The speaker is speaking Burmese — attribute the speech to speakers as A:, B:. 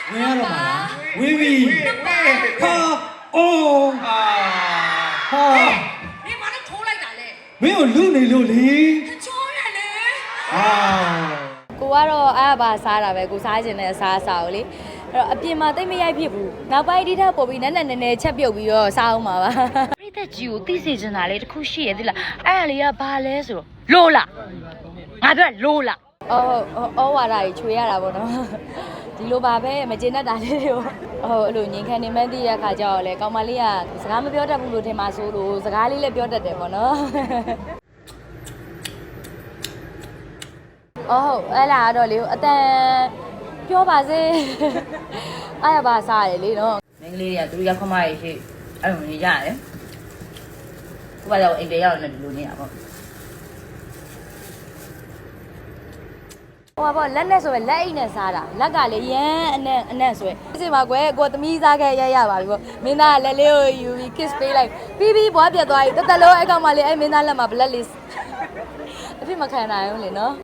A: ဝင်ရတော့မှာလားဝင်ပြီဟာအိုးဟာ
B: 你把那头来打嘞，
A: မင်းကိုလူနေလို့လေ
B: 他抽人嘞。
A: ဟာ
C: ကိုကတော့အားပါစားတာပဲကိုစားခြင်းနဲ့စားစားကိုလေအဲ့တော့အပြင်မှာတိတ်မရိုက်ဖြစ်ဘူးနောက်ပိုင်းဒီထက်ပို့ပြီးနည်းနည်းချက်ပြုတ်ပြီးတော့စားအောင်ပါပါပြိသက်ကြီးကိုသိစေချင်တာလေတခုရှိရသေးလားအဲ့ဒါလေးကဘာလဲဆိုတော့လိုလားငါပြောလိုလားအော်ဝါဒကြီးချွေရတာပေါ့နော်ဒီလိုပါပဲမကျေနပ်တာလေးတွေကိုအဲ့လိုငင်ခံနေမှန်းသိရခါကျတော့လေကောင်မလေးကစကားမပြောတတ်ဘူးလို့ထင်ပါဆိုလို့စကားလေးလည်းပြောတတ်တယ်ပေါ့နော်ဟုတ်အဲ့လာတော့လေအတန်ပြောပါစေအားရပါစားရလေနော်မင်းကလေးတွေကသူတို့ရောက်ခမရရှိအဲ့လိုနေကြရတယ်ကိုကတော့အိမ်ပြေရောက်နေတယ်လို့နေတာပေါ့ဟိုပါလက်နဲ့ဆိုပဲလက်အိတ်နဲ့စားတာလက်ကလေရမ်းအနက်ဆိုပဲဒီမှာကွယ်ကိုသမီးစားခဲ့ရပါပြီပေါ့မင်းသားလက်လေးကိုယူပြီး kiss ပေးလိုက်ပြီးဘွားပြတ်သွားပြီတက်တက်လုံးအဲ့ကောင်မလေးအဲ့မင်းသားလက်မှာ black list အဖြစ်မခံနိုင်ဘူးလေနော်